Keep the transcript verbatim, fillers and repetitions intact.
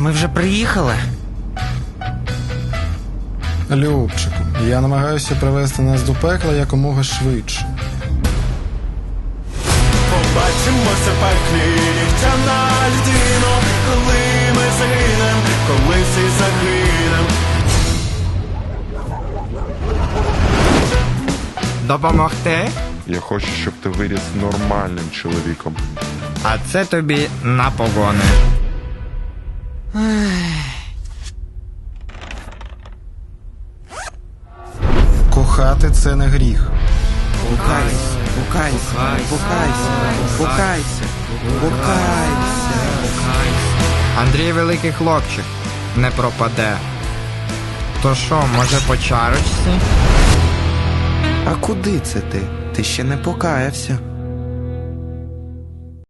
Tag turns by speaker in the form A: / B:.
A: Ми вже приїхали?
B: Любчику, я намагаюся привести нас до пекла якомога швидше.
C: Побачимося в пеклі, нігтяна людино, коли ми загинем, коли всі загинем.
D: Допомогти?
E: Я хочу, щоб ти виріс нормальним чоловіком.
D: А це тобі на погони.
B: Кохати – це не гріх.
A: Букайся, букайся, букайся, букайся, букайся.
D: Андрій великий хлопчик, не пропаде. То що, може по чарочці?
A: А куди це ти? Ти ще не покаявся.